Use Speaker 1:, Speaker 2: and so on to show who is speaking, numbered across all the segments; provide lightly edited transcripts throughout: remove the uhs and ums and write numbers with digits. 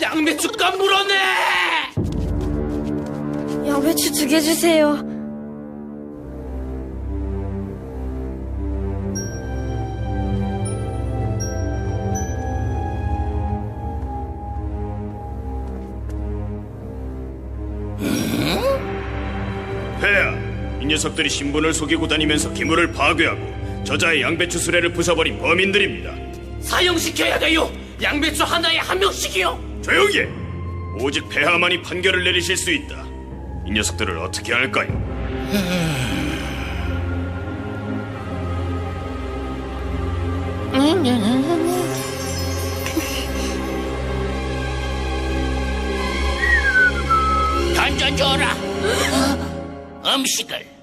Speaker 1: 양배추값 물어내!
Speaker 2: 양배추 2개 주세요.
Speaker 3: 폐하, 이 녀석들이 신분을 속이고 다니면서 기물을 파괴하고 저자의 양배추 수레를 부숴버린 범인들입니다.
Speaker 1: 사형시켜야 돼요! 양배추 하나에 1명씩이요!
Speaker 3: 조용히 해! 오직 폐하만이 판결을 내리실 수 있다. 이 녀석들을 어떻게 할까요?
Speaker 1: 던져줘라! 음식을.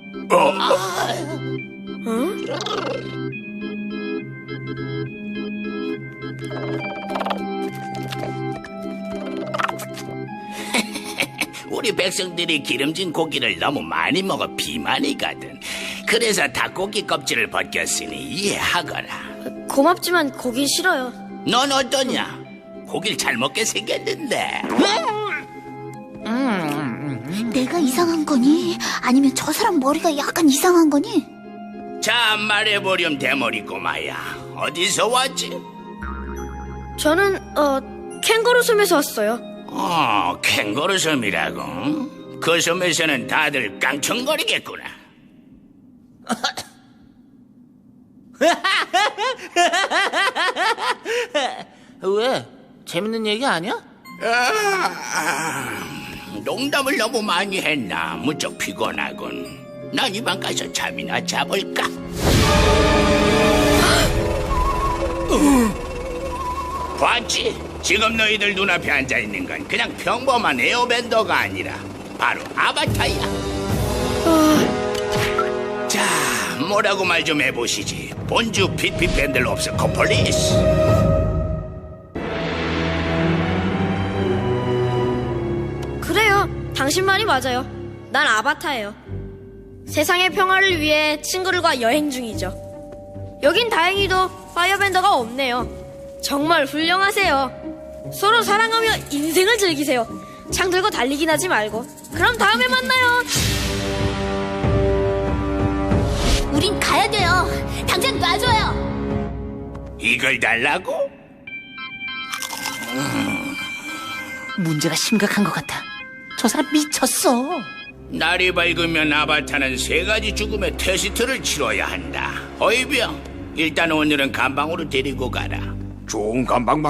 Speaker 1: 우리 백성들이 기름진 고기를 너무 많이 먹어 비만이거든. 그래서 닭고기 껍질을 벗겼으니 이해하거라.
Speaker 2: 고맙지만 고긴 싫어요.
Speaker 1: 넌 어떠냐? 고기를 잘 먹게 생겼는데.
Speaker 4: 내가 이상한 거니? 아니면 저 사람 머리가 약간 이상한 거니?
Speaker 1: 자, 말해보렴 대머리 꼬마야. 어디서 왔지?
Speaker 2: 저는 캥거루 섬에서 왔어요.
Speaker 1: 캥거루 섬이라고? 그 섬에서는 다들 깡총거리겠구나.
Speaker 5: 왜? 재밌는 얘기 아니야?
Speaker 1: 농담을 너무 많이 했나? 무척 피곤하군. 난 이만 가서 잠이나 자볼까? 봤지? 지금 너희들 눈앞에 앉아있는 건 그냥 평범한 에어밴더가 아니라 바로 아바타야. 자, 뭐라고 말 좀 해보시지. 본주 핏핏밴들롭스 코폴리스.
Speaker 2: 그래요. 당신 말이 맞아요. 난 아바타예요. 세상의 평화를 위해 친구들과 여행 중이죠. 여긴 다행히도 파이어밴더가 없네요. 정말 훌륭하세요. 서로 사랑하며 인생을 즐기세요. 창 들고 달리긴 하지 말고. 그럼 다음에 만나요.
Speaker 4: 우린 가야 돼요. 당장 놔줘요.
Speaker 1: 이걸 달라고?
Speaker 5: 문제가 심각한 것 같아. 저 사람 미쳤어.
Speaker 1: 날이 밝으면 아바타는 3가지 죽음의 테스트를 치러야 한다. 어이병, 일단 오늘은 감방으로 데리고 가라.
Speaker 3: 좋은 감방